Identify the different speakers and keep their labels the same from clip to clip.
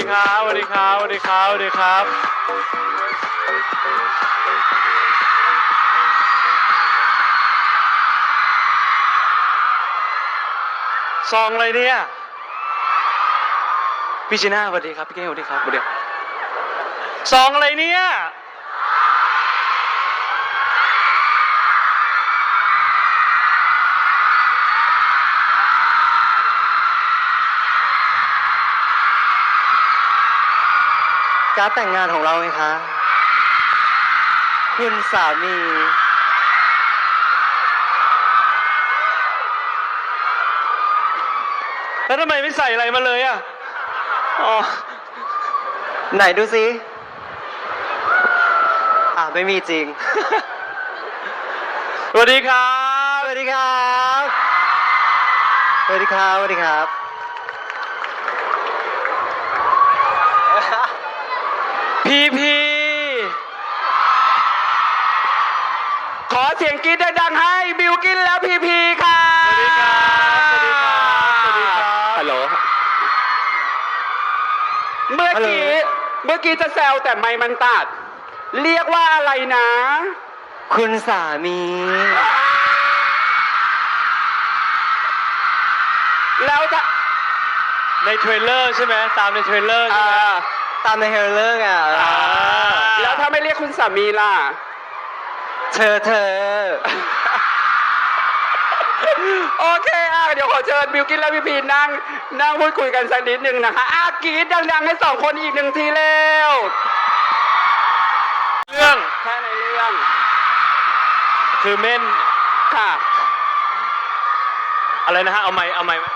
Speaker 1: ครับสวัสดีครับสวัสดีครับสวัสดีครับซองอะไรเนี่ยพี่จีน่าสวัสดีครับพี่เก้งสวัสดีครับสวัสดีซองอะไรเนี่ย
Speaker 2: การ์ดแต่งงานของเราไงคะคุณสามี
Speaker 1: แล้วทำไมไม่ใส่อะไรมาเลยอ่ะอ๋อ
Speaker 2: ไหนดูสิไม่มีจริง
Speaker 1: สวัสดีครับ
Speaker 2: สวัสดีครับสวัสดีครับสวัสดีครับ
Speaker 1: พีขอเสียงกรี๊ดดังๆให้บิวกินแล้วพีค่ะสวัสดีครับสวัสดีครับสวัสดีครับฮัลโหลเมื่อกี้จะแซวแต่ไมค์มันตัดเรียกว่าอะไรนะ
Speaker 2: คุณสามี
Speaker 1: แล้วจะในเทรลเลอร์ใช่ไหมตามในเทรลเลอร์ใช่ไหม
Speaker 2: ตามในเฮเลอร์อ่ะ
Speaker 1: แล้วถ้าไม่เรียกคุณสามีล่ะ
Speaker 2: เธอ
Speaker 1: โอเคเดี๋ยวขอเชิญบิวกินและพีนั่งพูดคุยกันสักนิดหนึ่งนะคะกรี๊ดดังๆให้สองคนอีกหนึ่งทีเร็วเรื่องแค่ในเรื่องคือเม่นค่ะอะไรนะฮะเอาไม้ไหม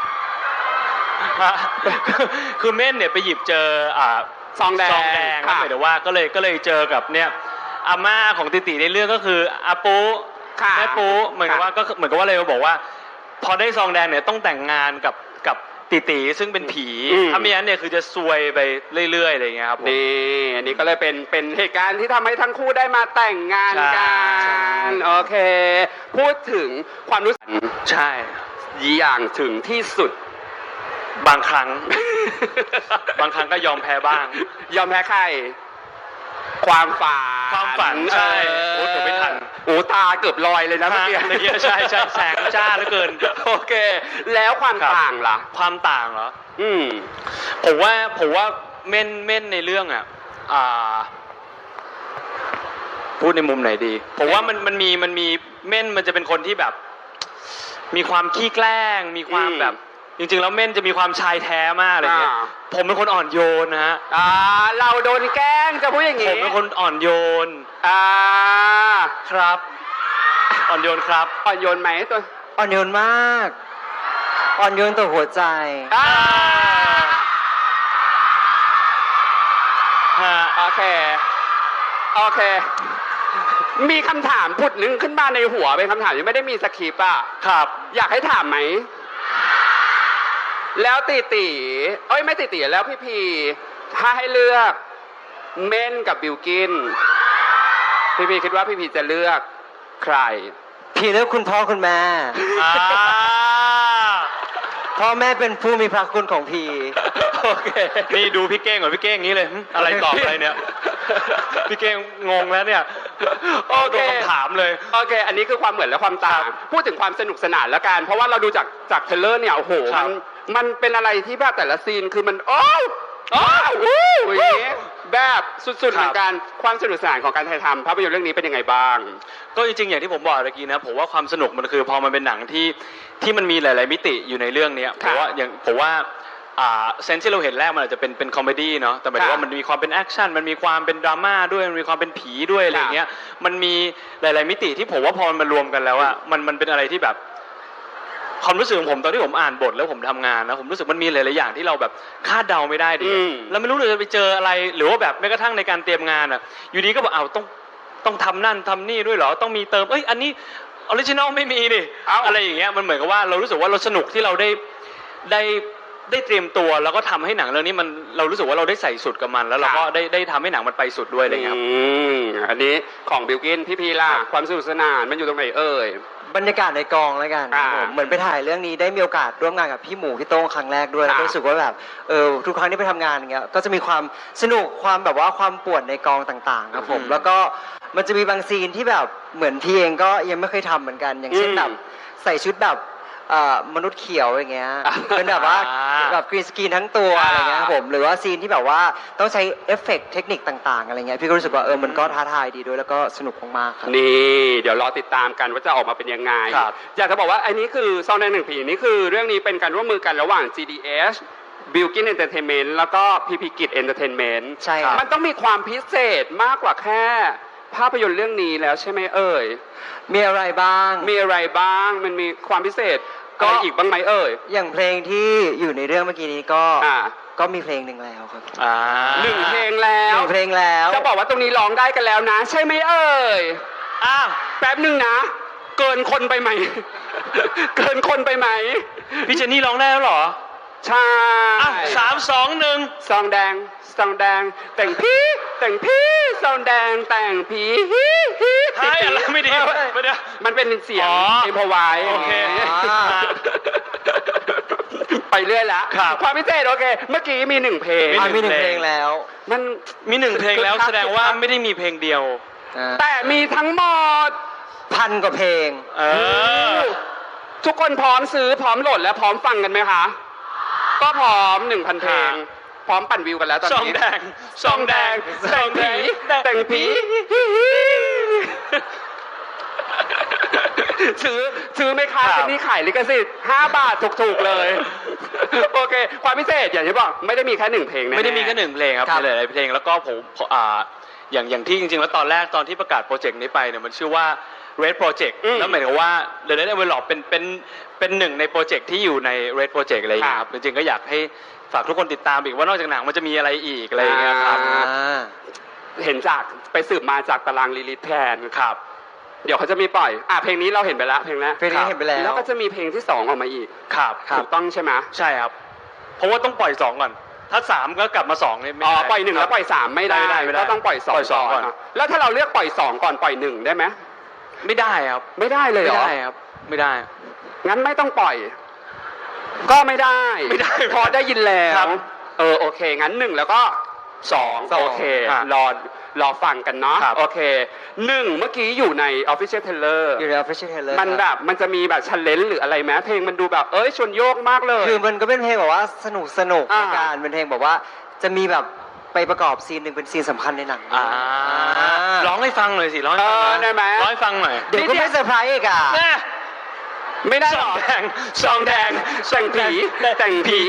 Speaker 1: คือเม่นเนี่ยไปหยิบเจอซองแดงครับหมายถึงว่าก็เลยเจอกับเนี่ยอาม่าของติติในเรื่องก็คืออาปูแม่ปูเหมือนกับว่าก็เหมือนกับว่าเลยบอกว่าพอได้ซองแดงเนี่ยต้องแต่งงานกับติติซึ่งเป็นผีถ้าไม่งั้นเนี่ยคือจะซวยไปเรื่อยๆอะไรอย่างเงี้ยครับนี่อันนี้ก็เลยเป็นเหตุการณ์ที่ทำให้ทั้งคู่ได้มาแต่งงานกันโอเคพูดถึงความรู้สึกใช่อย่างถึงที่สุดบางครั้ง บางครั้งก็ยอมแพ้บ้างยอมแพ้ใครความฝันใช่โอ้แต่ไม่ทันโอ้ตาเกือบลอยเลยนะเมื่อกี้ใช่แสงจ้าเหลือเกินโอเคแล้วความต่างล่ะความต่างเหรอผมว่าเม่นในเรื่องพูดในมุมไหนดีผมว่ามันมีเม่นมันจะเป็นคนที่แบบมีความขี้แกล้งมีความแบบจริงๆแล้วเม่นจะมีความชายแท้มากอะไรเงี้ยผมเป็นคนอ่อนโยนนะฮะเราโดนแกล้งจะพูดอย่างงี้ผมเป็นคนอ่อนโยนครับอ่อนโยนครับอ่อนโยนไหมตัว
Speaker 2: อ่อนโยนมากอ่อนโยนต่อหัวใจ
Speaker 1: โอเคมีคำถามผุดนึงขึ้นมาในหัวเป็นคำถามที่ไม่ได้มีสคริปต์ครับอยากให้ถามไหมแล้วติไม่ติแล้วพีถ้าให้เลือกเม่นกับบิวกินพีคิดว่าพีจะเลือกใคร
Speaker 2: พี่เลือกคุณพ่อคุณแม่พ่อแม่เป็นผู้มีพระคุณของพี่
Speaker 1: โอเคนี่ดูพี่เก้งก่อนพี่เก้งนี้เลยอะไรตอบอะไรเนี่ยพี่เก้งงงแล้วเนี่ยโอเคคำถามเลยโอเคอันนี้คือความเหมือนและความต่างพูดถึงความสนุกสนานแล้วกันเพราะว่าเราดูจากเทรลเลอร์เนี่ยโอ้โหมันเป็นอะไรที่แบบแต่ละซีนคือมันแบบสุดๆเหมือนกันความสนุกสนานของการถ่ายทำภาพยนตร์เรื่องนี้เป็นยังไงบ้างก็จริงๆอย่างที่ผมบอกเมื่อกี้นะผมว่าความสนุกมันคือพอมันเป็นหนังที่มันมีหลายๆมิติอยู่ในเรื่องนี้ผมว่าเซนส์ที่เราเห็นแรกมันอาจจะเป็นคอมเมดี้เนาะแต่หมายถึงว่ามันมีความเป็นแอคชั่นมันมีความเป็นดราม่าด้วยมันมีความเป็นผีด้วยอะไรเงี้ยมันมีหลายๆมิติที่ผมว่าพอมันมารวมกันแล้วอะมันเป็นอะไรที่แบบความรู้สึกของผมตอนที่ผมอ่านบทแล้วผมทำงานนะผมรู้สึกมันมีหลายๆอย่างที่เราแบบคาดเดาไม่ได้ดิแล้วไม่รู้เลยจะไปเจออะไรหรือว่าแบบแม้กระทั่งในการเตรียมงานอะอยู่ดีก็บอกต้องทำนั่นทำนี่ด้วยเหรอต้องมีเติมอันนี้ออริจินอลไม่มีดิอะไรอย่างเงี้ยมันเหมือนกับว่าเรารู้สึกว่าเราสนุกที่เราได้ได้เตรียมตัวแล้วก็ทำให้หนังเรื่องนี้มันเรารู้สึกว่าเราได้ใส่สุดกับมัน แล้วเราก็ได้ทำให้หนังมันไปสุดด้วยอะไรเงี้ยครับ
Speaker 3: อันนี้ของบิลกินพี่พีล่ะความสนุกสนานมันอยู่ตรงไหนเอ่ย
Speaker 2: บรรยากาศในกองแล้วกันครับผมเหมือนไปถ่ายเรื่องนี้ได้มีโอกาสร่วมงานกับพี่หมูพี่โต้งครั้งแรกด้วยแล้วก็รู้สึกว่าแบบทุกครั้งที่ไปทำงานอย่างเงี้ยก็จะมีความสนุกความแบบว่าความป่วนในกองต่างๆครับผมแล้วก็มันจะมีบางซีนที่แบบเหมือนพี่เองก็ยังไม่เคยทำเหมือนกัน อย่างเช่นแบบใส่ชุดแบบมนุษย์เขียวอย่างเงี้ยเป็นแบบว่าแบบกรีนสกรีนทั้งตัวอะไรเงี้ยครับผมหรือว่าซีนที่แบบว่าต้องใช้เอฟเฟกต์เทคนิคต่างๆอะไรเงี้ยพี่ก็รู้สึกว่ามันก็ท้าทายดีด้วยแล้วก็สนุกมากๆครับ
Speaker 3: นี่เดี๋ยวรอติดตามกันว่าจะออกมาเป็นยังไง
Speaker 1: ครับ
Speaker 3: อยากจะบอกว่าอันนี้คือซองแดงหนึ่งผีนี่คือเรื่องนี้เป็นการร่วมมือกันระหว่าง GDH Bilkin Entertainment แล้วก็พีพีกิจ Entertainment
Speaker 2: ใช่ครับ
Speaker 3: มันต้องมีความพิเศษมากกว่าแค่ภาพยนตร์เรื่องนี้แล้วใช่ไหมเอ่ย
Speaker 2: มีอะไรบ้าง
Speaker 3: มีอะไรบ้างมันมีความพิเศษ
Speaker 2: ก็
Speaker 3: อะไรอีกบ้างไหมเอ่ย
Speaker 2: อย่างเพลงที่อยู่ในเรื่องเมื่อกี้นี้ก็
Speaker 3: อ่า
Speaker 2: ก็มีเพลงหนึ่งแล้วครับ
Speaker 3: หนึ่งเพลงแล้ว
Speaker 2: หนึ่งเพลงแล้ว
Speaker 3: จะบอกว่าตรงนี้ร้องได้กันแล้วนะ ใช่ไหมเอ่ย
Speaker 1: อ้าว
Speaker 3: แป๊บหนึ่งนะ เกินคนไปไหม เกินคนไปไหม
Speaker 1: พี่เจนนี่ร้องได้แล้วเหรอ
Speaker 3: ใช่
Speaker 1: อ้าว3 2 1
Speaker 3: ซองแดงซองแดง แต่งพี่แต่งพี่ซองแดงแต่งผีฮิฮิ
Speaker 1: ใช่อะไรไม่ดีไม่ได้
Speaker 3: มันเป็นเสียง
Speaker 1: อ๋อ
Speaker 3: เอ็มพอไว
Speaker 1: โอเค
Speaker 3: ไปเรื่อยละ
Speaker 1: ครับ
Speaker 3: ความพิเศษโอเค เมื่อกี้มีหนึ่งเพลง
Speaker 2: มีหนึ่งเพลงแล้ว
Speaker 3: มัน
Speaker 1: มี1เพลงแล้วแสดงว่าไม่ได้มีเพลงเดียว
Speaker 3: แต่มีทั้งหมด
Speaker 2: 1,000 กว่าเพลง
Speaker 1: เออ
Speaker 3: ทุกคนพร้อมซื้อพร้อมโหลดและพร้อมฟังกันไหมคะ ก็พร้อม 1,000 เพลง พร้อมปั่นวิวกันแล้วตอน
Speaker 1: ซอง
Speaker 3: นี้
Speaker 1: แดง
Speaker 3: ซองแดงแต่งผีแต่งผีซื้อไหมคะ
Speaker 1: ครับ
Speaker 3: เจนนี่ขายลิขสิทธิ์5 บาทถูกๆเลย โอเค ความพิเศษอย่างที่บอกไม่ได้มีแค่1เพลงแน่ๆ
Speaker 1: ไม่ได้มีแค่1เพลงครับ
Speaker 2: ครับ
Speaker 1: มีหลายๆเพลงแล้วก็ผมอย่างที่จริงๆแล้วตอนแรกตอนที่ประกาศโปรเจกต์นี้ไปเนี่ยมันชื่อว่า Red Project แล้วหมายถึงว่า The Red Envelope เป็นหนึ่งในโปรเจกต์ที่อยู่ใน Red Project อะไรอย่างเงี้ยครับจริงๆก็อยากให้ฝากทุกคนติดตามอีกว่านอกจากหนังมันจะมีอะไรอีกอะไรอย่างเงี้ยครับ
Speaker 3: เห็นจากไปสืบมาจากตารางลิลิทแทน
Speaker 1: ครับ
Speaker 3: เดี๋ยวเขาจะมีปล่อยเพลงนี้เราเห็นไปแล้วเพลงแรก
Speaker 2: เพลงนี้เห็นไปแล้ว
Speaker 3: แล้วก็จะมีเพลงที่2ออกมาอีก
Speaker 1: ครับ
Speaker 3: ถูกต้องใช่ไหม
Speaker 1: ใช่ครับ เพราะว่าต้องปล่อย2ก่อน ถ้า3ก็กลับมา2นี่ไม่
Speaker 3: อ๋อ
Speaker 1: ได้
Speaker 3: ปล่อย1แล้วปล่อย3ไม่ได้
Speaker 1: ไม่ได้
Speaker 3: ก็ต้องปล่อย
Speaker 1: ปล่อยสอง
Speaker 3: 2
Speaker 1: ก่
Speaker 3: ก่
Speaker 1: อ
Speaker 3: อน นแล้วถ้าเราเลือกปล่อย2ก่อนปล่อย1ได้ไหม
Speaker 1: ไม่ได้ครับ
Speaker 3: ไม่ได้เลย
Speaker 1: ไม่
Speaker 3: เหรอ
Speaker 1: ได้ครับ ไม่ได้
Speaker 3: งั้นไม่ต้องปล่อย ก็ไม่ได้
Speaker 1: ไม่ได้
Speaker 3: พอได้ยินแล้
Speaker 1: ครั
Speaker 3: ว
Speaker 1: บ
Speaker 3: โอเค งั้น1แล้วก็2โอเค
Speaker 1: อ่ะ
Speaker 3: รอฟังกันเนาะ
Speaker 1: ครับ
Speaker 3: โอเค1เมื่อกี้อยู่ใน Official Trailer
Speaker 2: อยู่ใน Official Trailer
Speaker 3: มันแบบมันจะมีแบบชันเลนหรืออะไรไหมเพลงมันดูแบบชวนโยกมากเลย
Speaker 2: คือมันก็เป็นเพลงแบบว่าสนุกใน
Speaker 3: อ่า
Speaker 2: การเป็นเพลงแบบว่าจะมีแบบไปประกอบซีนหนึ่งเป็นซีนสำคัญในหนัง
Speaker 1: ร้องให้ฟังหน่อยสิร้องให้ฟังหน่อย
Speaker 3: ได้ไหม
Speaker 1: ร้องให้ฟังหน่อย
Speaker 2: เดี๋ยวก็ไม่เซอร์ไพรส์อีกอ่ะ
Speaker 1: แน่
Speaker 3: ไม่ได้
Speaker 1: ซ
Speaker 3: หร
Speaker 1: อง
Speaker 3: อ
Speaker 1: แดงซองแดง
Speaker 3: แต่งผีแต่งผี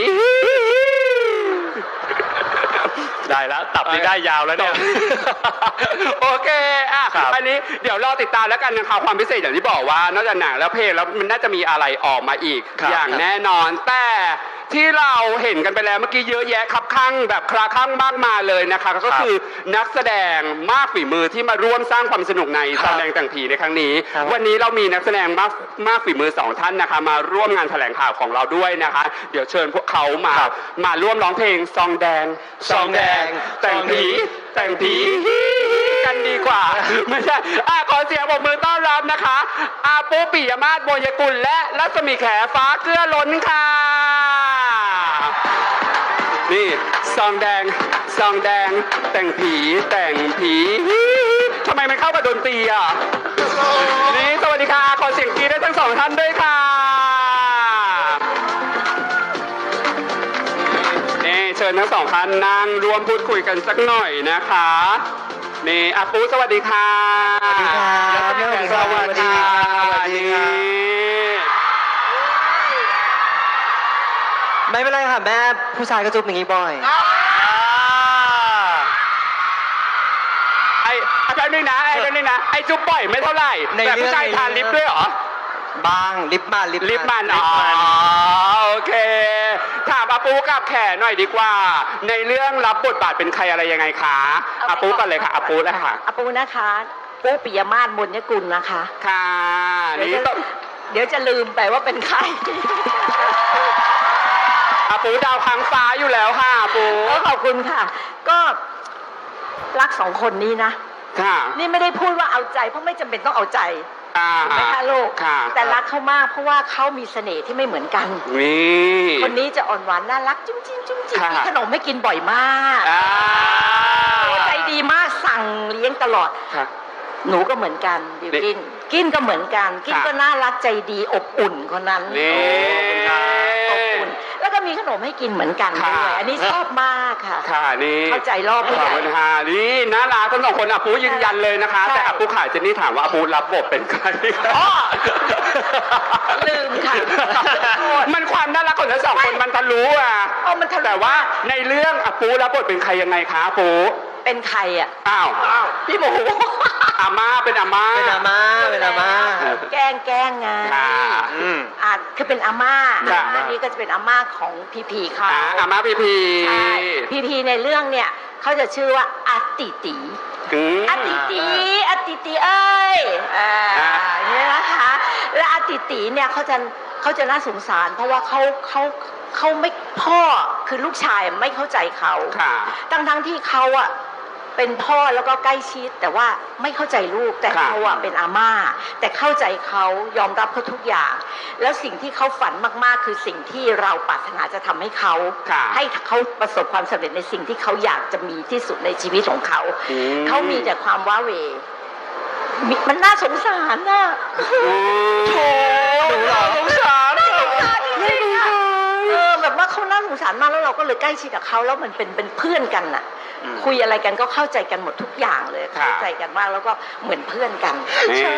Speaker 1: ได้แล้วตับนี่ได้ยาวแล้วเนี่ย
Speaker 3: โอเค
Speaker 1: ครับ
Speaker 3: อันนี้เดี๋ยวรอติดตามแล้วกันนะคะความพิเศษอย่างที่บอกว่านอกจากหนังแล้วเพลงแล้วมันน่าจะมีอะไรออกมาอีก
Speaker 1: ครับ
Speaker 3: อย่างแน่นอน แต่ที่เราเห็นกันไปแล้วเมื่อกี้เยอะแยะครับข้างแบบคลาคลั่งมากมายเลยนะคะก็คือนักแสดงมากฝีมือที่มาร่วมสร้างความสนุกในแสดงแต่งผีในครั้งนี้
Speaker 2: ครับ
Speaker 3: วันนี้เรามีนักแสดงมากฝีมือ2ท่านนะคะมาร่วมงานแถลงข่าวของเราด้วยนะคะ เดี๋ยวเชิญพวกเขามาร่วมร้องเพลงซองแดง
Speaker 1: ซองแดง
Speaker 3: แต่งผีแต่งผีกันดีกว่า ไม่ใช่ขอเสียงปรบมือต้อนรับนะคะอาปูปิยมาศโมยกุลและรัศมีแขฟ้าเกลือล้นค่ะนี่ซองแดงซองแดงแต่งผีแต่งผีทำไมมันเข้ากับดนตรีอ่ะนี่สวัสดีค่ะขอเสียงกรี๊ดให้ทั้ง2ท่านด้วยค่ะนี่เชิญทั้ง2ท่านนั่งรวมพูดคุยกันสักหน่อยนะคะนี่อาปูสวัสดีค่ะ
Speaker 2: สวัสดีครับ
Speaker 3: แล้วก็พี่แขกสวัสดีค่ะ
Speaker 2: สวัสดีครับ
Speaker 3: นี่
Speaker 2: ไม่เป็นไรค่ะแม่ผู้ชายก็จุ๊บอย่างนี้บ่อย
Speaker 3: ไอ้แป๊บนึงนะไอ้จุ๊บบ่อยไม่เท่าไหร่
Speaker 2: ใน
Speaker 3: แต่
Speaker 2: เรื่อง
Speaker 3: ผู้ชายทานลิปด้วยเหรอ
Speaker 2: บ้างลิปมัน
Speaker 3: ลิปมันโอเคถามอาปูกับแขหน่อยดีกว่า ในเรื่องรับบทบาทเป็นใครอะไรยังไงคะอาปูก่อนเลยค่ะอาปูเลยค่ะ
Speaker 4: อาปูนะคะปูปิยมาศบุญยกุลนะคะ
Speaker 3: ค่ะนี่ต้อง
Speaker 4: เดี๋ยวจะลืมไปว่าเป็นใคร
Speaker 3: อาปูดาวค้างฟ้าอยู่แล้วค่ะปู
Speaker 4: ขอบคุณค่ะ ก็รักสองคนนี้นะ
Speaker 3: ค่ะ
Speaker 4: นี่ไม่ได้พูดว่าเอาใจเพราะไม่จำเป็นต้องเอาใจ ถูกไหมคะลูก
Speaker 3: ค่ะ
Speaker 4: แต่รักเขามากเพราะว่าเขามีเสน่ห์ที่ไม่เหมือนกัน
Speaker 3: นี่
Speaker 4: คนนี้จะอ่อนหวานน่ารักจุ้มจิ้มจุ้มจิ้ม
Speaker 3: ค่ะ
Speaker 4: มีขนมให้กินบ่อยมาก
Speaker 3: อ่า
Speaker 4: ใจดีมากสั่งเลี้ยงตลอด
Speaker 3: ค่ะ
Speaker 4: หนูก็เหมือนกันบิวกิน กินก็เหมือนกัน กิน
Speaker 3: ค่ะ
Speaker 4: ก็น่ารักใจดีอบอุ่นคนนั้น
Speaker 3: นี่
Speaker 4: อบอุ่น แล้วก็มีขนมให้กินเหมือนกันด้
Speaker 3: ค่ะ
Speaker 4: วยอันนี้ชอบมากค่ะ
Speaker 3: ค่ะนี่
Speaker 4: เข้าใจรอบผู้
Speaker 3: ข
Speaker 4: ให
Speaker 3: อบ
Speaker 4: ญ่
Speaker 3: คุณค่ะนี่น่ารักทั้งสองคนอาปูยืนยันเลยนะคะ
Speaker 4: ใช่
Speaker 3: แต่อาปูขายเจนนี่ถามว่าอาปูรับบทเป็นใคร
Speaker 4: อ๋อลืมค่ะโทษ
Speaker 3: มันความน่ารักของทั้งสองคนมันทะลุอ่ะ
Speaker 4: เอามันทะลุ
Speaker 3: แต่ว่าในเรื่องอาปูรับบทเป็นใครยังไงคะอาปู
Speaker 4: เป็นใครอ่ะ
Speaker 3: อ้าว
Speaker 4: พี่หมู
Speaker 3: อาม่าเป็นอาม่า
Speaker 2: เป็นอาม่าเป็นอาม่า
Speaker 4: แกล้งไง
Speaker 3: ค่ะ
Speaker 4: คือเป็นอาม่า
Speaker 3: ค่ะ
Speaker 4: อันนี้ก็จะเป็นอาม่าของพีพีเขา
Speaker 3: อาม่าพีพี
Speaker 4: ใช่พีพีในเรื่องเนี่ยเขาจะชื่อว่าอาติตี
Speaker 3: อืม
Speaker 4: อาติตีอาติตีเอ้ยอย่างเนี่ยนะคะและอาติตีเนี่ยเขาจะน่าสงสาร เพราะว่าเขาไม่พ่อคือลูกชายไม่เข้าใจเขา
Speaker 3: ค่ะ
Speaker 4: ทั้งที่เขาอ่ะเป็นพ่อแล้วก็ใกล้ชิดแต่ว่าไม่เข้าใจลูกแต่
Speaker 3: ค่ะ
Speaker 4: เขาอ่ะเป็นอาม่าแต่เข้าใจเขายอมรับเขาทุกอย่าง แล้วสิ่งที่เขาฝันมากๆ คือสิ่งที่เราปรารถนาจะทำให้เขา
Speaker 3: ค่ะ
Speaker 4: ให้เขาประสบความสำเร็จในสิ่งที่เขาอยากจะมีที่สุดในชีวิตของเขา
Speaker 3: อืม
Speaker 4: เขามีแต่ความว้าเหวมันน่าสงสารน่ะ
Speaker 3: โถหนูเหรอสงสาร
Speaker 4: น่าสงสารจริงๆอะแบบว่าเขาน่าสงสารมากแล้วเราก็เลยใกล้ชิดกับเขาแล้วมันเป็นเพื่อนกันน่ะ คุยอะไรกันก็เข้าใจกันหมดทุกอย่างเลย
Speaker 3: ค่ะ
Speaker 4: เข้าใจกันมากแล้วก็เหมือนเพื่อนกัน
Speaker 3: นี่
Speaker 4: ใช่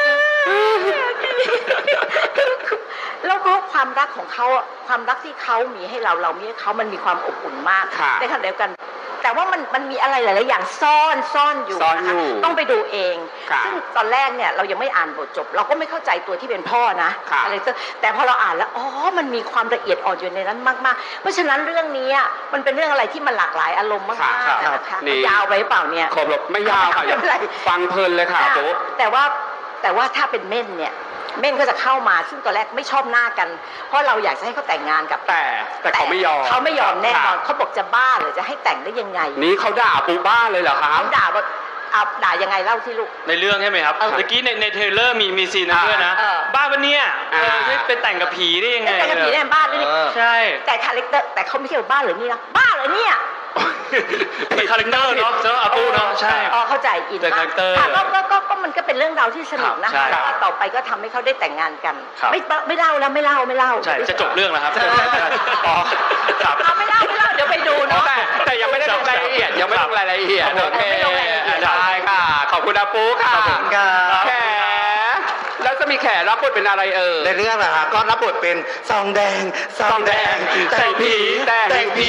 Speaker 4: แล้วก็ความรักของเขาอะความรักที่เขามีให้เรามีให้เขามันมีความอบอุ่นมาก
Speaker 3: ค่ะ
Speaker 4: ในขณะเดียวกัน แต่ว่ามันมีอะไรหลายๆอย่างซ่อนอยู่
Speaker 3: ซ่อน
Speaker 4: นะคะ
Speaker 3: อยู่
Speaker 4: ต้องไปดูเอง
Speaker 3: ค่ะ
Speaker 4: ซึ่งตอนแรกเนี่ยเรายังไม่อ่านบทจบ เราก็ไม่เข้าใจตัวที่เป็นพ่อนะ
Speaker 3: ค่ะ
Speaker 4: อะไรแต่พอเราอ่านแล้วอ๋อมันมีความละเอียดอ่อนอยู่ในนั้นมากๆ เพราะฉะนั้นเรื่องนี้อะมันเป็นเรื่องอะไรที่มันหลากหลายอารมณ์มาก
Speaker 3: ค่ะ
Speaker 4: ๆนะคะ
Speaker 3: นี่
Speaker 4: ยาวไปหรือเปล่าเนี่ย
Speaker 3: ครบแล้วไม่ยาวค่ะอย่า
Speaker 4: ไม่เป็นไร
Speaker 3: ฟังเพลินเลยค่ะอาปู
Speaker 4: แต่ว่าถ้าเป็นเม่นเนี่ยเม่นก็จะเข้ามาซึ่งตอนแรกไม่ชอบหน้ากัน เพราะเราอยากจะให้เขาแต่งงานกับ
Speaker 3: แต่เขาไม่ยอม
Speaker 4: เขาไม่ยอมแน่นอน
Speaker 3: ค่ะ
Speaker 4: เขาบอกจะบ้าหรือจะให้แต่งได้ยังไง
Speaker 3: นี่เขาด่าปูบ้าเลยเหรอคะ
Speaker 4: เขาด่าว่าเอาด่ายังไงเล่าที่ลูก
Speaker 1: ในเรื่องใช่ไหมครับ
Speaker 4: เออ
Speaker 1: เมื่อกี้ในเทรลเลอร์มีซีนนั้นด้วยนะ
Speaker 4: เออ
Speaker 1: บ้าปะเนี่ย
Speaker 3: อ่า
Speaker 1: ให้ไปแต่งกับผีได้ยังไง
Speaker 4: แต่งกับผีในบ้านเลยนี่
Speaker 1: ใช่
Speaker 4: แต่คาแรคเตอร์แต่เขาไม่ใช่บ้าหรือนี่นะบ้าเหรอเนี่ย
Speaker 1: เป็นคาแรคเตอร์เนาะเจ้าอาปูเนาะใช่
Speaker 4: อ๋อเข้าใจอิน
Speaker 1: แต่
Speaker 4: มาก
Speaker 1: คาแรคเตอร์
Speaker 4: ก็มันก็เป็นเรื่องราวที่สนุกนะ
Speaker 1: ครั
Speaker 4: คะ
Speaker 1: บใช่
Speaker 4: แล้วต่อไปก็ทำให้เขาได้แต่งงานกัน
Speaker 1: ครับ
Speaker 4: ไม่เล่าแล้วไม่เล่า
Speaker 1: ใช่จะจบเรื่องแล้วครับ
Speaker 4: ใช่
Speaker 1: อ๋อครับ
Speaker 4: เอาไม่เล่าเดี๋ยวไปดูเนาะ
Speaker 3: แต่ยังไม่ได้ลงรายละเอียดยังไม่ลงรายละเอียด
Speaker 1: ครับผม
Speaker 3: โอเค
Speaker 4: ไม่ลงรายละเอียด
Speaker 3: ได้ค่ะ ขอบคุณอาปูค่ะ
Speaker 1: ขอบคุณครับ
Speaker 3: แขแล้วจะมีแขรับบทเป็นอะไร
Speaker 5: ในเรื่องนะฮะก็รับบทเป็นซองแดงซองแดง
Speaker 3: แต่งผีแต่งผี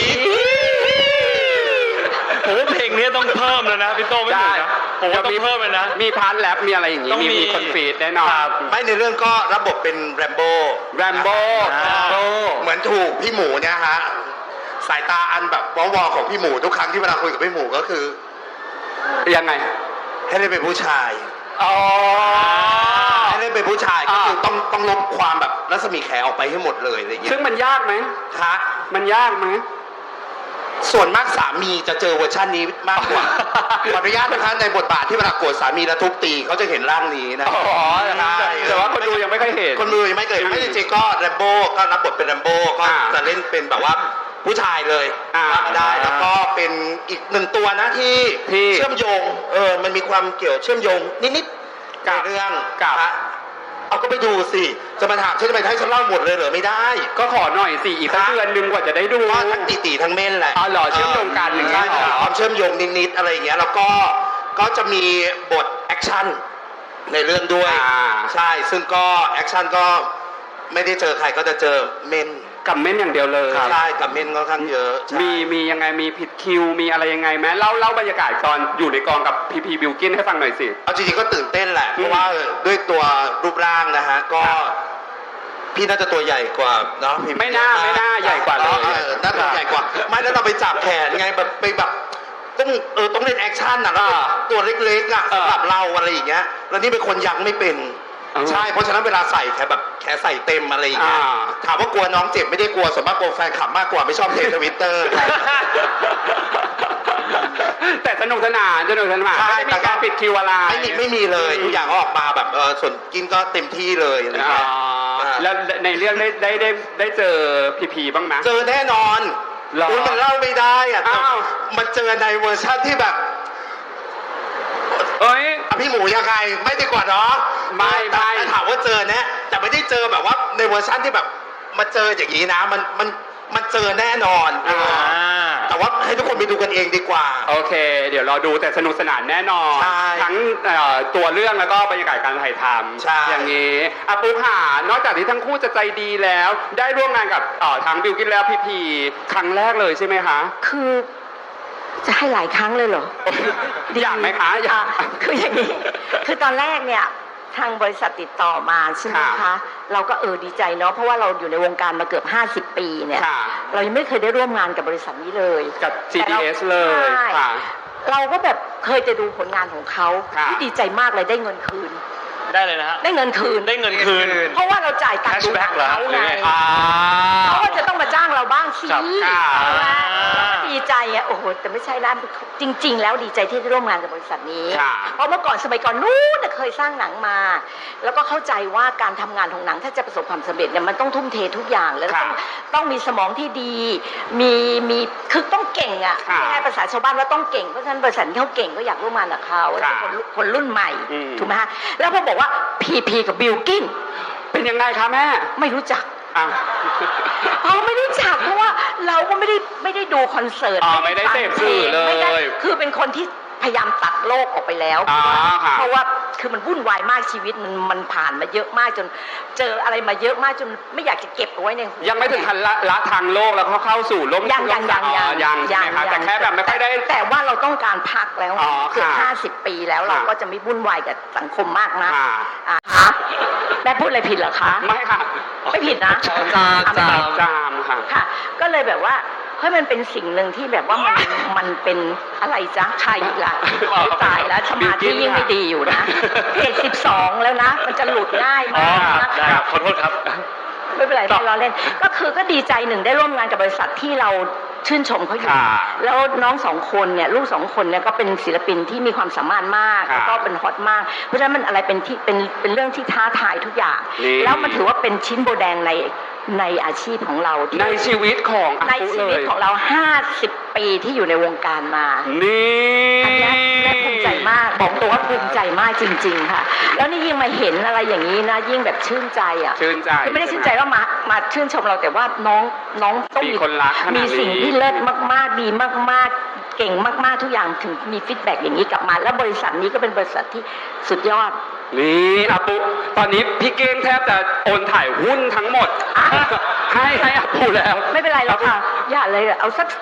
Speaker 1: ผมว่าเพลงนี้ต้องเพิ่มแล้วนะพี่โตไม่ถูกนะผมว่าต้องเพิ่มเลยนะ
Speaker 3: มีพาร์ทแรปมีอะไรอย่างงี้
Speaker 1: ต้องมี
Speaker 3: มีคอนฟีดแน่นอน
Speaker 1: ครับ
Speaker 5: ไม่ในเรื่องก็รับบทเป็นแรมโบ้
Speaker 3: แรมโบ้
Speaker 5: เหมือนถูกพี่หมูเนี่ยฮะสายตาอันแบบวอของพี่หมูทุกครั้งที่เวลาคุยกับพี่หมูก็คือ
Speaker 3: ยังไง
Speaker 5: ให้ได้เป็นผู้ชาย
Speaker 3: อ๋อ
Speaker 5: ให้ได้เป็นผู้ชายก็คือต้องลบความแบบรัศมีแขออกไปให้หมดเลยอะไรอย่างเงี้
Speaker 3: ซึ่
Speaker 5: ย
Speaker 3: งมันยากไหม
Speaker 5: ฮะ
Speaker 3: มันยากไหม
Speaker 5: ส่วนมากสามีจะเจอเวอร์ชันนี้มากกว่า ขออนุญาตนะคะในบทบาทที่เวลาโกรธสามีแล้วทุบตีเขาจะเห็นร่างนี้นะ
Speaker 3: อ๋อแต่ว่าคนดูยังไม่ค่อยเห็น
Speaker 5: คนดูยังไม่เคยไม่จริงๆก็แรมโบ้ก็รับบทเป็นแรมโบ้ก็
Speaker 3: อ่า
Speaker 5: จะเล่นเป็นแบบว่าผู้ชายเลย
Speaker 3: อ่า
Speaker 5: ได้แล้วก็เป็นอีกหนึ่งตัวนะที่
Speaker 3: ที่
Speaker 5: เชื่อมโยงมันมีความเกี่ยวเชื่อมโยงนิดๆ
Speaker 3: กับ
Speaker 5: ในเรื่อง
Speaker 3: กับ
Speaker 5: ฮะเอาก็ไปดูสิจะมาถามฉันจะไปให้ฉันเล่าหมดเลยเหรอไม่ได้
Speaker 3: ก็ขอหน่อยสิอีกสัก
Speaker 5: ครับ
Speaker 3: เดือนนึงกว่าจะได้ดู
Speaker 5: ก็ทั้งตีทั้งเม่นแหละ
Speaker 3: อ๋อเหรอเชื่อมโยงกันอย่างเงี้
Speaker 5: ใช่
Speaker 3: ยเหรอ
Speaker 5: มีความเชื่อมโยงนิดๆอะไรอย่างเงี้ยแล้วก็จะมีบทแอคชั่นในเรื่องด้วย ใช่ซึ่งก็แอคชั่นก็ไม่ได้เจอใครก็จะเจอเม่น
Speaker 3: กับเม่นอย่างเดียวเลย
Speaker 5: ใช่กับเม่นค่อนข้างเยอะใช่
Speaker 3: มียังไงมีผิดคิวมีอะไรยังไงไหมเล่าบรรยากาศตอนอยู่ในกองกับพีพีบิวกินให้ฟังหน่อยสิ
Speaker 5: เอาจริงๆก็ตื่นเต้นแหละ
Speaker 3: อืม
Speaker 5: เพราะว่าด้วยตัวรูปร่างนะฮะก็พี่น่าจะตัวใหญ่กว่าเนาะพี่
Speaker 3: ไม่น่าใหญ่กว่าเลย
Speaker 5: น่าจะใหญ่กว่า ไม่แล้วเราไปจับแขนไงแบบไปแบบต้องเล่นแอคชั่นนะแล้วตัวเล็กๆอ่ะ
Speaker 3: เออ
Speaker 5: สำหรับเราอะไรอย่างเงี้ยแล้วนี่เป็นคนยังไม่เป็นใช่ เพราะฉะนั้นเวลาใส่แค่ใส่เต็มอะไรอย่างเงี้ย ถามว่ากลัวน้องเจ็บไม่ได้กลัวส่วนมากกลัวแฟนคลับมากกว่าไม่ชอบเททวิตเตอร์
Speaker 3: แต่สนุกสนานไม่ได้มีการปิดคิวอะไร
Speaker 5: ไม่มีเลยทุกอย่างก็ออกมาแบบส่วนกินก็เต็มที่เลยอะไรอย่างเงี้ย
Speaker 3: แล้วในเรื่องได้เจอพีบ้างไหม
Speaker 5: เจอแน่นอน
Speaker 3: หรอ
Speaker 5: คุณมันเล่าไม่ได้อะแต่
Speaker 3: อ้าว
Speaker 5: มันเจอในเวอร์ชันที่แบบ
Speaker 3: เอ้ย
Speaker 5: พี่หมูยังไงไม่ดีกว่าเนาะ
Speaker 3: ไม่
Speaker 5: แต่ถามว่าเจอนะแต่ไม่ได้เจอแบบว่าในเวอร์ชันที่แบบมาเจออย่างนี้นะมันเจอแน่นอน แต่ว่าให้ทุกคนไปดูกันเองดีกว่า
Speaker 3: โอเค เดี๋ยวรอดูแต่สนุกสนานแน่นอน
Speaker 5: ใช่
Speaker 3: ทั้งตัวเรื่องแล้วก็บรรยากาศการถ่ายท
Speaker 5: ใช่
Speaker 3: ำอย่างนี้อาปูค่ะนอกจากที่ทั้งคู่จะใจดีแล้ว ได้ร่วมงานกับทั้งบิวกินแล้วพีครั้งแรกเลยใช่ไหมคะ
Speaker 4: คือจะให้หลายครั้งเลยเหรอ
Speaker 3: อยากไหมคะอยาก
Speaker 4: คืออย่างนี้ คือตอนแรกเนี่ยทางบริษัทติดต่อมาใช่ไหม
Speaker 3: ค่ะ
Speaker 4: คะ เราก็ดีใจเนาะ เพราะว่าเราอยู่ในวงการมาเกือบ 50 ปีเนี่ย
Speaker 3: ค่ะ
Speaker 4: เรายังไม่เคยได้ร่วมงานกับบริษัทนี้เลย
Speaker 3: กับ
Speaker 4: แต่รา
Speaker 3: GDS เลย
Speaker 4: ใช่
Speaker 3: ค่ะ
Speaker 4: เราก็แบบเคยจะดูผลงานของเขา
Speaker 3: ค่ะ
Speaker 4: ที่ดีใจมากเลยได้เงินคืน
Speaker 1: ได้เลยนะฮะ
Speaker 4: ได้เงินคืน
Speaker 1: ได้เงินคืน
Speaker 4: เพราะว่าเราจ่ายตังค์ดูหนัง
Speaker 1: Cashback เหรอ
Speaker 4: เขา
Speaker 1: หรือ
Speaker 4: ไง
Speaker 1: ไง
Speaker 4: เขาก็จะต้องมาจ้างเราบ้างสิ
Speaker 1: ครับ
Speaker 4: ใช่ไหม
Speaker 1: อ่า
Speaker 4: ดีใจอ่ะโอ้โหแต่ไม่ใช่นะจริง ๆ แล้วดีใจที่ได้ร่วมงานกับบริษัทนี้
Speaker 3: ค่ะ
Speaker 4: เพราะเมื่อก่อนสมัยก่อนนู้นน่ะเคยสร้างหนังมา แล้วก็เข้าใจว่าการทำงานของหนังถ้าจะประสบความสำเร็จเนี่ยมันต้องทุ่มเททุกอย่างแล้ว
Speaker 3: ค่ะ
Speaker 4: ต้องมีสมองที่ดีมีคือต้องเก่งอ่ะ
Speaker 3: ค่ะ
Speaker 4: ไม่ใช่ภาษาชาวบ้านว่าต้องเก่งเพราะฉะนั้นบริษัทที่เขาเก่งก็อยากร่วมงานกับเขาแล้วก็
Speaker 3: ค่ะ
Speaker 4: คนรุ่นใหม่
Speaker 3: อืม
Speaker 4: ถูกไหมฮะแล้วพอบอกว่าพีกับบิลกิน
Speaker 3: เป็นยังไงคะแม่
Speaker 4: ไม่รู้จัก
Speaker 3: อ้าว
Speaker 4: ไม่รู้จักเพราะว่าเราก็ไม่ได้ดูคอนเสิร์ต
Speaker 3: ไม่ได้
Speaker 4: ฟัง
Speaker 3: เสพสื่อเลย
Speaker 4: ไม่ได้คือเป็นคนที่พยายามตัดโลกออกไปแล้ว
Speaker 3: ค่ะ
Speaker 4: เพราะว่าคือมันวุ่นวายมากชีวิตมันผ่านมาเยอะมากจนเจออะไรมาเยอะมากจนไม่อยากจะเก็บเอาไว้ในหัว
Speaker 3: ยังไม่ถึงขั้นละทางโลกแล้วเข้าสู่ล้ม
Speaker 4: ยัง
Speaker 3: ล้มยังใช่ไหมคะแต่แค่แบบไม่ค่อยได้
Speaker 4: แต่ว่าเราต้องการพักแล้ว
Speaker 3: อ๋อ
Speaker 4: เกือบ
Speaker 3: ค่ะ
Speaker 4: 50 ปีแล้วเรา
Speaker 3: ค่ะ
Speaker 4: ก็จะไม่วุ่นวายกับสังคมมากนะ
Speaker 3: ค่ะ
Speaker 4: ฮะแม่พูดอะไรผิดเหรอคะ
Speaker 3: ไม่ค่ะ
Speaker 4: ไม่ผิดนะ
Speaker 2: จาม
Speaker 3: จามค่ะ
Speaker 4: ค่ะ ก็เลยแบบว่าเฮ้ยมันเป็นสิ่งหนึ่งที่แบบว่ามันเป็นอะไรจ๊ะใครอีกล่ะตายแล้วสมาธิยิ่งไม่ดีอยู่นะเพจ12 แล้วนะ มันจะหลุดง่าย
Speaker 1: อ๋อ
Speaker 4: มากนะ
Speaker 1: ได้
Speaker 4: คะ
Speaker 1: ครับขอโทษครับ
Speaker 4: ไม่เป็นไรไม่ล้อเล่น ก็คือก็ดีใจหนึ่งได้ร่วมงานกับบริษัทที่เราชื่นชมเขาอยู่
Speaker 3: ค่ะ
Speaker 4: แล้วน้องสองคนเนี่ยลูกสองคนเนี่ยก็เป็นศิลปินที่มีความสามารถมาก
Speaker 3: ค่ะ
Speaker 4: แล้วก็เป็นฮอตมาก เพราะฉะนั้นมันอะไรเป็นเรื่องที่ท้าทายทุกอย่าง
Speaker 3: นี่
Speaker 4: แล้วมันถือว่าเป็นชิ้นโบแดงในอาชีพของเราที่
Speaker 3: ในชีวิตของอา
Speaker 4: ใน
Speaker 3: ปุ
Speaker 4: ชี
Speaker 3: เล
Speaker 4: วิต
Speaker 3: ย
Speaker 4: ของเรา 50 ปีที่อยู่ในวงการมา
Speaker 3: นี่
Speaker 4: อันเนี้ยแม่ภูมิใจมาก บอกตัวว่าภูมิใจมากจริง ๆ ค่ะ แล้วนี่ยิ่งมาเห็นอะไรอย่างนี้นะ ยิ่งแบบชื่นใจอ่ะ
Speaker 3: ชื่นใจ
Speaker 4: คือไม่ได้ชื่นใจว่ามาชื่นชมเราแต่ว่าน้องต้อง
Speaker 3: มีคนรักขนาดนี้
Speaker 4: มีสิ่งที่เลิศมากๆ ดีมากๆ เก่งมากๆ ทุกอย่างถึงมีฟีดแบ็กอย่างนี้กลับมา แล้วบริษัทนี้ก็เป็นบริษัทที่สุดยอด
Speaker 3: นี่อาปุตอนนี้พี่เก้งแทบจะโอนถ่ายหุ้นทั้งหมด
Speaker 4: อ่ะ
Speaker 3: ให้อาปุแล้ว
Speaker 4: ไม่เป็นไรหรอกค่ะ อย่าเลยเอาสัก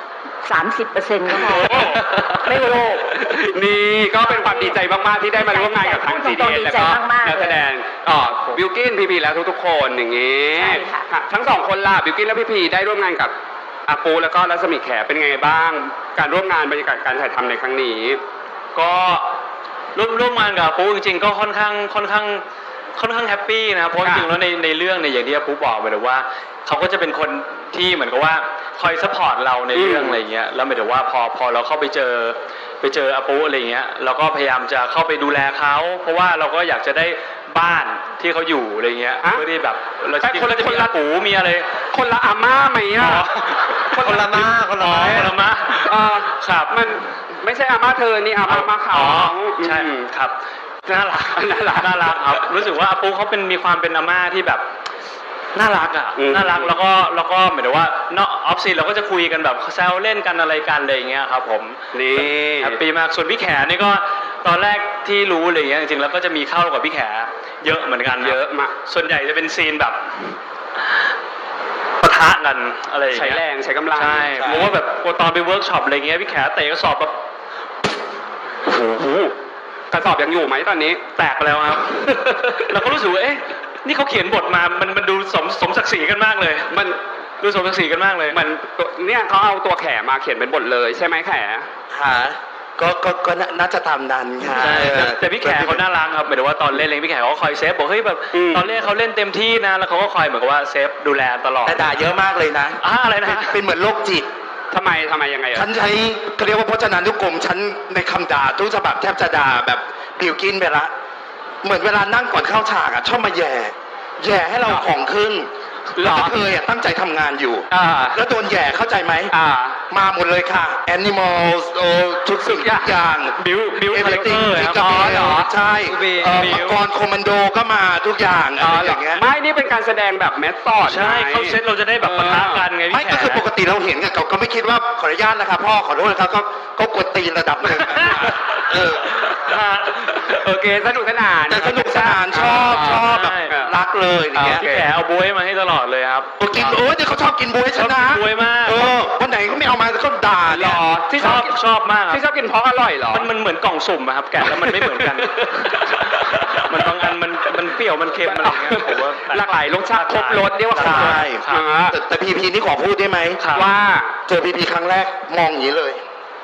Speaker 4: 30%ก็พอไม่โลภ
Speaker 3: นี่ก็เป็นความดีใจมากๆที่ได้มาร่วมงานกับทาง
Speaker 4: ดีใจ
Speaker 3: GDS แล้วก็
Speaker 4: มากๆ
Speaker 3: นักแสดงบิวกินพีแล้วทุกๆคนอย่างนี้
Speaker 4: ใช่ค่ะ
Speaker 3: ทั้งสองคนล่ะบิวกินและพี่ได้ร่วมงานกับอาปูแล้วก็รัศมีแขเป็นไงบ้าง การร่วมงานบรรยากาศการถ่ายทำในครั้งนี้
Speaker 1: ก็ร่วมงานกับอาปูจริงๆก็ค่อนข้างแฮปปี้นะครับเพราะจริงๆแล้วในเรื่องเนี่ยอย่างที่อาปูบอกไปเลยว่าเขาก็จะเป็นคนที่เหมือนกับว่าคอยซัพพอร์ตเราในเรื่องอะไรเงี้ยแล้วหมายถึงว่าพอเราเข้าไปเจออาปูอะไรเงี้ยเราก็พยายามจะเข้าไปดูแลเขาเพราะว่าเราก็อยากจะได้บ้านที่เขาอยู่อะไรเงี้ย
Speaker 3: ฮะ
Speaker 1: เพื่อที่แบบเรา
Speaker 3: แต่
Speaker 1: จริง
Speaker 3: คน
Speaker 1: ๆ
Speaker 3: ละ
Speaker 1: ก็จะมีอาปูมีอะไร
Speaker 3: คนละอาม่าไหมอ่ะ
Speaker 2: คนละม้าคนละม้า
Speaker 1: คนละม้า ครับ
Speaker 3: มันไม่ใช่อาม่าเธอนี่อาม่าเขา
Speaker 1: อ๋อใช่ครับน่ารักน่ารักครับ รู้สึกว่าอาปูเขามีความเป็นอาม่าที่แบบน่ารักอ่ะ
Speaker 3: อืม
Speaker 1: น่ารักแล้วก็หมายถึงว่านอกออฟซีเราก็จะคุยกันแบบแซวเล่นกันอะไรกันอะไรอย่างเงี้ยครับผม
Speaker 3: นี่
Speaker 1: แฮปปี้มากส่วนพี่แขนี่ก็ตอนแรกที่รู้อะไรเงี้ยจริงๆแล้วก็จะมีเข้ากับพี่แขเยอะเหมือนกันครับ
Speaker 3: เยอะมาก
Speaker 1: ส่วนใหญ่จะเป็นซีนแบบปะทะกันอะไรอย่าง
Speaker 3: ใช้
Speaker 1: เงี้ย
Speaker 3: แรงใช้กำลัง
Speaker 1: ใช่เพราะว่าแบบตอนไปเวิร์กช็อปอะไรเงี้ยพี่แขเตะกระสอบแบบ
Speaker 3: โอ้โหกระสอบยังอยู่ไหมตอนนี้
Speaker 1: แตกไปแล้วครับ เราก็รู้สึกว่าเอ๊ะนี่เขาเขียนบทมามันดูสมศักดิ์ศรีกันมากเลย
Speaker 3: มัน
Speaker 1: ดูสมศักดิ์ศรีกันมากเลย
Speaker 3: มันเนี่ยเขาเอาตัวแขมาเขียนเป็นบทเลยใช่ไหมแข
Speaker 5: ค่ะก็น่าจะตามนั้นค่ะ
Speaker 1: ใช่แต่พี่แขกเขาน่ารักครับหมายถึงว่าตอนเล่นเองพี่แขกเขาก็คอยเซฟบอกเฮ้ยแบบตอนเล่นเขาเล่นเต็มที่นะแล้วเขาก็คอยเหมือนกับว่าเซฟดูแลตลอด
Speaker 5: แต่ด่าเยอะมากเลยนะ
Speaker 1: อะไรนะ
Speaker 5: เป็นเหมือนโรคจิต
Speaker 3: ทำไมยังไงอ่ะ
Speaker 5: ฉันใช้เขาเรียกว่าพจนานุกรมฉันในคำด่าทุกฉบับแทบจะด่าแบบบิวกินไปละเหมือนเวลานั่งก่อนเข้าฉากชอบมาแย่ให้เราของขึ้น
Speaker 3: หรอ
Speaker 5: แล้วเคยตั้งใจทำงานอยู่ แล้วโดนแย่เข้าใจไหม มาหมดเลยค่ะ Animals ทุกสิ่งทุกอย่าง
Speaker 1: บิว
Speaker 5: Everything
Speaker 1: ครับ
Speaker 5: อ๋อเหรอใช่
Speaker 1: บิว
Speaker 5: มังกรโคมานโดก็มาทุกอย่างอะไรอย่างเงี้ย
Speaker 3: ไม่นี่เป็นการแสดงแบบเมธอด
Speaker 1: ใช่เขาเซตเราจะได้แบบปะทะกันไง
Speaker 5: ไม่
Speaker 1: พี่แข
Speaker 5: ก็คือปกติเราเห็นกันก็ไม่คิดว่าขออนุญาตนะครับพ่อขอโทษนะครับก็กดตีนระดับหนึ่งเออ
Speaker 3: โอเคสนุกสนาน
Speaker 5: แต่สนุกสนานชอบแบบรักเลยอย่างเงี้ย
Speaker 1: พี่แขเอาบ๊วยมาให้ตลอดเลยครับ
Speaker 5: กินเดี๋ยวเขาชอบกินบ๊วยชนะ
Speaker 1: บ๊วยมาก
Speaker 5: วันไหนเขาไม่เอามาก็ด่า
Speaker 3: หร
Speaker 5: เนี่ย
Speaker 3: อที่
Speaker 1: ชอบมากครับ
Speaker 3: ที่ชอบกินเพราะอร่อยเหรอ
Speaker 1: มันเหมือนกล่องสุ่มอะครับแกะแล้วมันไม่เหมือนกัน มันบางอันมันเปรี้ยวมันเค็มอะไรอย่างเงี้ยผมว่า
Speaker 3: หลากหลายรสชาติครบรสเรียกว่าครบรส
Speaker 5: ใช่
Speaker 3: อ่า
Speaker 5: แต่พีพีนี่ขอพูดได้ไหม
Speaker 3: ว่า
Speaker 5: เจอพีพีครั้งแรกมองอย่างนี้เลย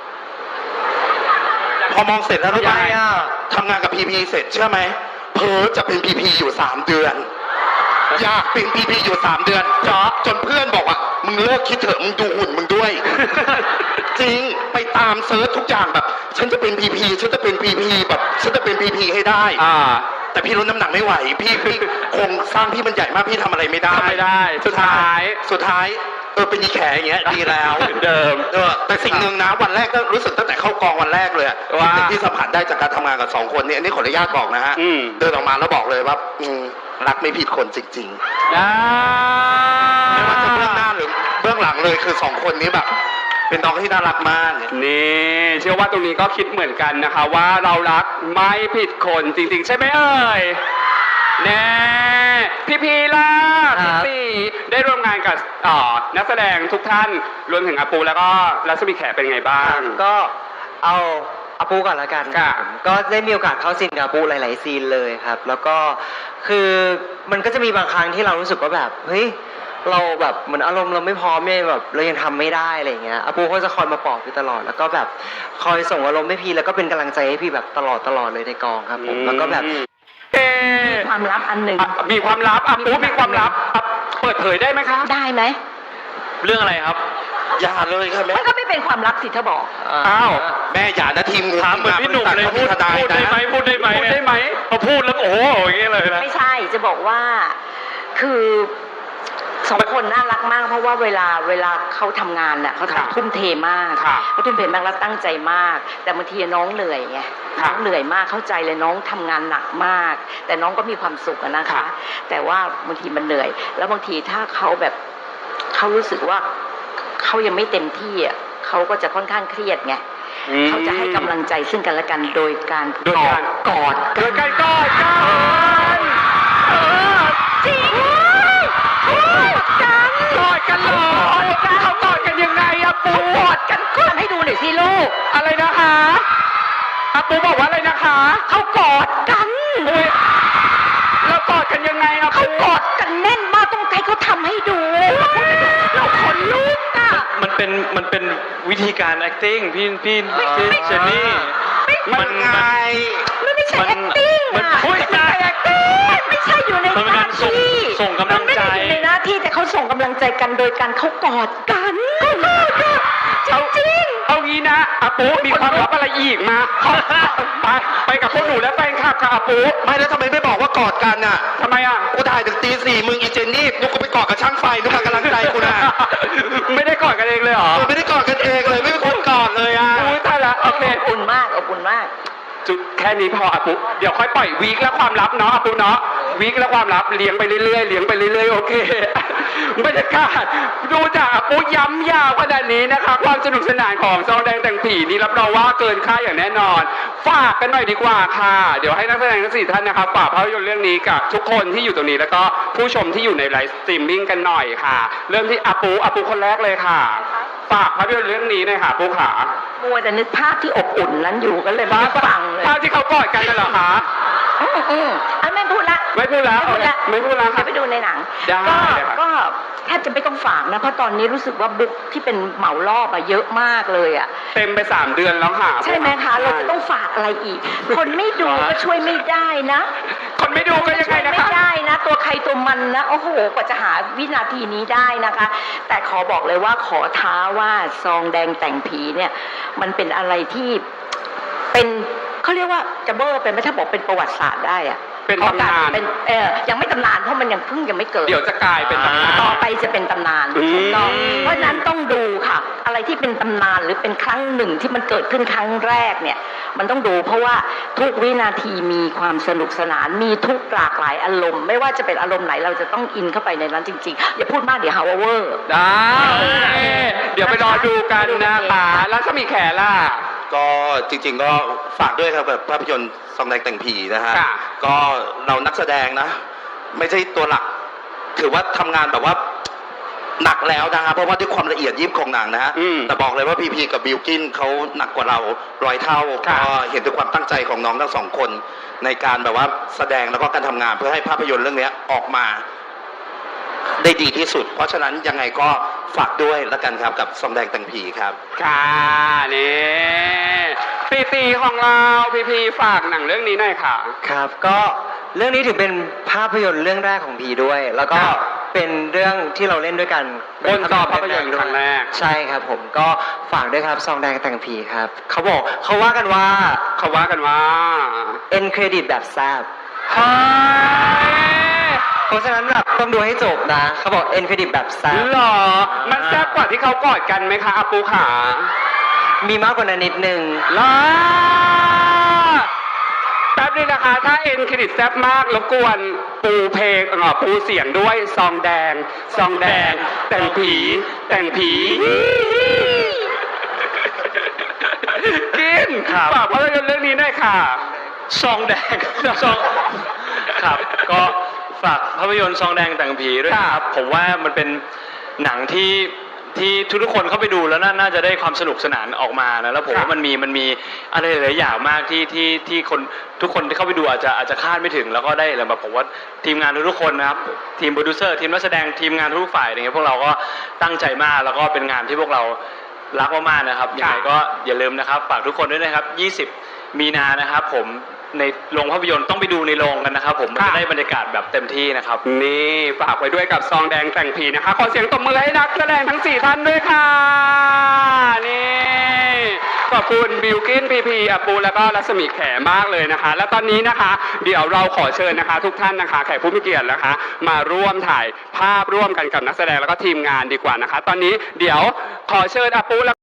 Speaker 5: พอมองเสร็จแล้วรู้ไหม
Speaker 2: ยังไงอ่ะ
Speaker 5: ทำงานกับพีพีเสร็จเชื่อไหมเพิร์จะเป็นพีพีอยู่3 เดือน อยากเป็นพีพีอยู่3 เดือนจนเพื่อนบอกว่ามึงเลิกคิดเถอะมึงดูหุ่นมึงด้วย จริงไปตามเซิร์ชทุกอย่างแบบ ฉันจะเป็นพีพีฉันจะเป็นพีพีแบบฉันจะเป็นพีพีให้ได้ แต่พี่ลดน้ำหนักไม่ไหว พี่โครงสร้างพี่มันใหญ่มากพี่ทำอะไรไม่ได้
Speaker 3: ทำไม่ได้ สุดท้าย
Speaker 5: เป็นยีแขอย่างเงี้ยดีแล้ว
Speaker 3: เดิม
Speaker 5: แต่สิ่งหนึ่งนะวันแรกก็รู้สึกตั้งแต่เข้ากองวันแรกเลยอะ
Speaker 3: ว่า
Speaker 5: สิ่งที่สัมผัสได้จากการทำงานกับ2 คนเนี่ยอันนี้ขออนุญาตบอกนะฮะ เดินออกมาแล้วบอกเลยว่ารักไม่ผิดคนจริงๆไม่ว่าจะเบื้องหน้าหรือเบื้องหลังเลยคือ2 คนนี้แบบ เป็นน้องที่น่ารักมาก
Speaker 3: นี่เชื่อว่าตรงนี้ก็คิดเหมือนกันนะคะ ว่าเรารักไม่ผิดคนจริง ๆ ใช่ไหมเอ่ยแน่พี่ล่ะ
Speaker 2: ครั
Speaker 3: พี่
Speaker 2: บ
Speaker 3: ตีได้ร่วมงานกับนักแสดงทุกท่านรวมถึงอาปูแล้วก็รัศมีแขเป็นไงบ้าง
Speaker 2: ก็เอาอาปูก่อนละกัน
Speaker 3: ค่ะ
Speaker 2: ผมก็ได้มีโอกาสเข้าซีนกับอาปูหลาย ๆ ซีนเลยครับ แล้วก็คือมันก็จะมีบางครั้งที่เรารู้สึกว่าแบบเฮ้ยเราแบบเหมือนอารมณ์เราไม่พร้อมเนี่ยแบบเรายังทำไม่ได้อะไรอย่างเงี้ยอาปูเขาจะคอยมาปลอบพี่ตลอด แล้วก็แบบคอยส่งอารมณ์ให้พี่แล้วก็เป็นกำลังใจให้พี่แบบตลอดเลยในกองครับผมแล้วก็แบบ
Speaker 4: ความลับอันหนึ่ง
Speaker 3: มีความลับอาปูมีความลับเปิดเผยได้ไหมคะ
Speaker 4: ได้ไหม
Speaker 1: เรื่องอะไรครับ
Speaker 5: อย่าเลยค่ะแม่
Speaker 4: มันก็ไม่เป็นความลับสิถ้าบอก
Speaker 3: อ้าว
Speaker 5: แม่อย่านะทีมงู
Speaker 1: ถามเหมือนพี่หนุ่มเลย
Speaker 5: ขา
Speaker 1: พูด
Speaker 5: ทนาย
Speaker 1: ได้ไหม
Speaker 5: นะ
Speaker 1: พูดได้ไหม
Speaker 3: พูดได้ไหม
Speaker 1: พอพูดแล้วโอ้โหอย่างเงี้ยเลยนะ
Speaker 4: ไม่ใช่จะบอกว่าคือ2 คนน่ารักมาก เพราะว่าเวลาเขาทำงานน่ะเขา
Speaker 3: ค่ะ
Speaker 4: ทำทุ่มเทมาก
Speaker 3: ค่ะ
Speaker 4: เขาทุ่มเทมากแล้วตั้งใจมาก แต่บางทีน้องเหนื่อยไง
Speaker 3: ค่ะ
Speaker 4: น้องเหนื่อยมากเข้าใจเลยน้องทำงานหนักมาก แต่น้องก็มีความสุขอะนะคะ
Speaker 3: ค่ะ
Speaker 4: แต่ว่าบางทีมันเหนื่อย แล้วบางทีถ้าเขาแบบเขารู้สึกว่าเขายังไม่เต็มที่อ่ะเขาก็จะค่อนข้างเครียดไงเขาจะให้กำลังใจซึ่งกันและกันโดยการ
Speaker 3: โดยการ
Speaker 4: กอด
Speaker 3: โดยการกอดกัน
Speaker 4: จริงกอดกัน
Speaker 3: กอดกันเหรอเขากอดกันยังไงอะปู
Speaker 4: กอดกันก่อนให้ดูหน่อยสิลูก
Speaker 3: อะไรนะคะอาปูบอกว่าอะไรนะคะ
Speaker 4: เขากอดกัน
Speaker 3: อุ๊ยแล้วกอดกันยังไงอะ
Speaker 4: เขา
Speaker 3: ปู
Speaker 4: กอดกันแน่นมากต้องให้เขาทำให้ดูเราขนลุกอ่ะ
Speaker 1: มันเป็นวิธีการ acting พี่เจนนี่
Speaker 5: มันไง
Speaker 4: ไม่ใช่
Speaker 1: มัน
Speaker 4: acting
Speaker 1: มัน
Speaker 4: อ่ะ
Speaker 1: พูด
Speaker 4: ไม่ใช่ acting ไม่ใช่อยู่ใน
Speaker 1: มันเป็น
Speaker 4: หน้า
Speaker 1: การส่ง
Speaker 4: ที่
Speaker 1: ส่งกำลังใจ
Speaker 4: มันไม่ได้อยู่ในหน้าที่แต่เขาส่งกำลังใจกันโดยการเขากอดกันจริง
Speaker 3: เอางี้นะอาปูมีความลับอะไรอีกมาไปกับพวกหนูและแฟนคลับค่ะอาปู
Speaker 5: ไม่แล้วทำไมไม่บอกว่ากอดกันน่ะ
Speaker 3: ทำไมอะ
Speaker 5: กูถ่ายถึงตี 4มึงอีเจนนี่นุกก็ไปกอดกับช่างไฟนุกมากำลังใจกูนะ
Speaker 3: ไม่ได้กอดกันเองเลยเหรอ
Speaker 5: ไม่ได้กอดกันเองเลยไม่เป็นคนกอดเลยอ่ะ
Speaker 3: อุ้ยตายละโอเค
Speaker 4: อบอุ่นมากอบอุ่นมาก
Speaker 3: จุดแค่นี้พออาปุเดี๋ยวค่อยปล่อยวีคและความลับเนาะอาปุเนาะวีคและความลับเลี้ยงไปเรื่อยๆเลี้ยงไปเรื่อยๆโอเค บรรยากาศดูจากอาปุย้ำยาวขนาดนี้นะคะ ความสนุกสนานของซองแดงแต่งผีนี่รับรองว่าเกินค่าอย่างแน่นอน ฝากกันหน่อยดีกว่าค่ะ เดี๋ยวให้นักแสดงทั้ง4ท่านนะคะฝากภาพยนตร์เรื่องนี้กับทุกคนที่อยู่ตรงนี้แล้วก็ผู้ชมที่อยู่ในไลฟ์สตรีมมิ่งกันหน่อยค่ะ เริ่มที่อาปุคนแรกเลยค่ะ ฝากภาพยนตร์เรื่องนี้หน่อยค่ะปูขา
Speaker 4: มัวแต่นึกภาพที่อบอุ่นนั้นอยู่ก็เลยไม่ได้ฟังเลย
Speaker 3: ภาพที่เขากอดกันน่ะเหรอคะ
Speaker 4: อันไม่พูดละ
Speaker 3: ไม่พูดแล้ว ไม่พูดแล้ว
Speaker 4: เดี๋
Speaker 3: ค่ะ
Speaker 4: ยวไปดูในหนัง
Speaker 3: ได้
Speaker 4: ก็
Speaker 3: เลยค่ะ
Speaker 4: ก็แทบจะไม่ต้องฝากนะเพราะตอนนี้รู้สึกว่าบุ๊กที่เป็นเหมารอบอะเยอะมากเลยอะ
Speaker 3: เต็มไป3 เดือนแล้วค่ะ
Speaker 4: ใช่ไหมคะ เราจะต้องฝากอะไรอีก คนไม่ดูก็ช่วยไม่ได้นะ
Speaker 3: คนไม่ดูก็ยังไงนะ
Speaker 4: ไม่
Speaker 3: คะ
Speaker 4: ได้นะ ตัวใครตัวมันนะโอ้โหกว่าจะหาวินาทีนี้ได้นะคะ แต่ขอบอกเลยว่าขอท้าว่าซองแดงแต่งผีเนี่ยมันเป็นอะไรที่เป็นเขาเรียกว่าจะเบอร์เป็นไม่ถ้าบอกเป็นประวัติศาสตร์ได้อะ
Speaker 3: เป็นตำนาน
Speaker 4: เป็นยังไม่ตำนานเพราะมันยังเพิ่งยังไม่เกิด
Speaker 3: เดี๋ยวจะกลายเป็นตำนาน
Speaker 4: ต่อไปจะเป็นตำนาน
Speaker 3: อืม
Speaker 4: ถูกต้องเพราะฉะนั้นต้องดูค่ะ อะไรที่เป็นตำนานหรือเป็นครั้งหนึ่งที่มันเกิดขึ้นครั้งแรกเนี่ยมันต้องดูเพราะว่าทุกวินาทีมีความสนุกสนานมีทุกหลากหลายอารมณ์ ไม่ว่าจะเป็นอารมณ์ไหนเราจะต้องอินเข้าไปในนั้นจริงๆอย่าพูดมากเดี๋ยวหาว่าเวอร์
Speaker 3: ได้ เดี๋ยวไปรอดูกันนะคะแล้วจะมีแขล่ะ
Speaker 5: ก็จริงๆก็ฝากด้วยครับแบบภาพยนตร์ซองแดงแต่งผีนะฮะ
Speaker 3: ค่ะ
Speaker 5: ก็เรานักแสดงนะ ไม่ใช่ตัวหลัก ถือว่าทำงานแบบว่าหนักแล้วนะฮะเพราะว่าด้วยความละเอียดยิบของหนังนะฮะ
Speaker 3: อืม
Speaker 5: แต่บอกเลยว่าพีพีกับบิลกินเขาหนักกว่าเรา100 เท่า
Speaker 3: ค่ะ
Speaker 5: ก็เห็นถึงความตั้งใจของน้องทั้งสองคน ในการแบบว่าแสดงแล้วก็การทำงานเพื่อให้ภาพยนตร์เรื่องนี้ออกมา ได้ดีที่สุด เพราะฉะนั้นยังไงก็ฝากด้วยแล้วกันครับกับซองแดงแต่งผีครับ
Speaker 3: ค่ะนี่ตีของเราพีฝากหนังเรื่องนี้หน่อยค่ะ
Speaker 2: ครับก็เรื่องนี้ถือเป็นภาพยนตร์เรื่องแรกของพีด้วย แล้วก็
Speaker 3: ครับ
Speaker 2: เป็นเรื่องที่เราเล่นด้วยกัน
Speaker 3: บนจอภาพยนตร์ครั้งแรก
Speaker 2: ใช่ครับผมก็ฝากด้วยครับซองแดงแต่งผีครับเขาบอกเขาว่ากันว่า
Speaker 3: เขาว่ากันว่า
Speaker 2: เอ็นเครดิตแบบแซบ
Speaker 3: เฮ้ย
Speaker 2: เพราะฉะนั้นแบบต้องดูให้จบนะเขาบอกเอ็นเครดิตแบบแซบ
Speaker 3: หรอ มันแซ่บกว่าที่เขากอดกันไหมคะอาปูขา
Speaker 2: มีมากกว่านั้นนิดนึง
Speaker 3: ลาแป๊บนึงนะคะ ถ้าเอ็นเครดิตแซ่บมากรบกวนปูเพลงปูเสียงด้วยซองแดง ซองแดง แต่งผี แต่งผี กิน
Speaker 1: ครับ
Speaker 3: ฝากภาพยนตร์เรื่องนี้หน่อยค่ะ
Speaker 1: ซองแดง ซองครับก็ฝากภาพยนตร์ซองแดงแต่งผีด้วยนะครับผมว่ามันเป็นหนังที่ทุกๆคนเข้าไปดูแล้วน่าจะได้ความสนุกสนานออกมานะแล้วผมว่ามันมีอะไรหลายๆอย่างมากที่คนทุกคนที่เข้าไปดูอาจจะคาดไม่ถึงแล้วก็ได้อะไรแบบผมว่าทีมงานทุกๆคนนะครับทีมโปรดิวเซอร์ทีมนักแสดงทีมงานทุกฝ่ายอะไรเงี้ยพวกเราก็ตั้งใจมากแล้วก็เป็นงานที่พวกเรารักมากๆนะครับยังไงก็อย่าลืมนะครับฝากทุกคนด้วยนะครับ20 มีนานะครับผมในโรงภาพยนตร์ต้องไปดูในโรงกันนะครับผมมันจะได้บรรยากาศแบบเต็มที่นะครับ
Speaker 3: นี่ฝากไว้ด้วยกับซองแดงแต่งผีนะคะ ขอเสียงตบมือให้นักแสดงทั้ง 4 ท่านด้วยค่ะ นี่ขอบคุณบิลกินพีอาปูแล้วก็รัศมีแขมากเลยนะคะ และตอนนี้นะคะ เดี๋ยวเราขอเชิญนะคะ ทุกท่านนะคะแขกผู้มีเกียรตินะคะ มาร่วมถ่ายภาพร่วมกันกับนักแสดงแล้วก็ทีมงานดีกว่านะคะ ตอนนี้เดี๋ยวขอเชิญอาปู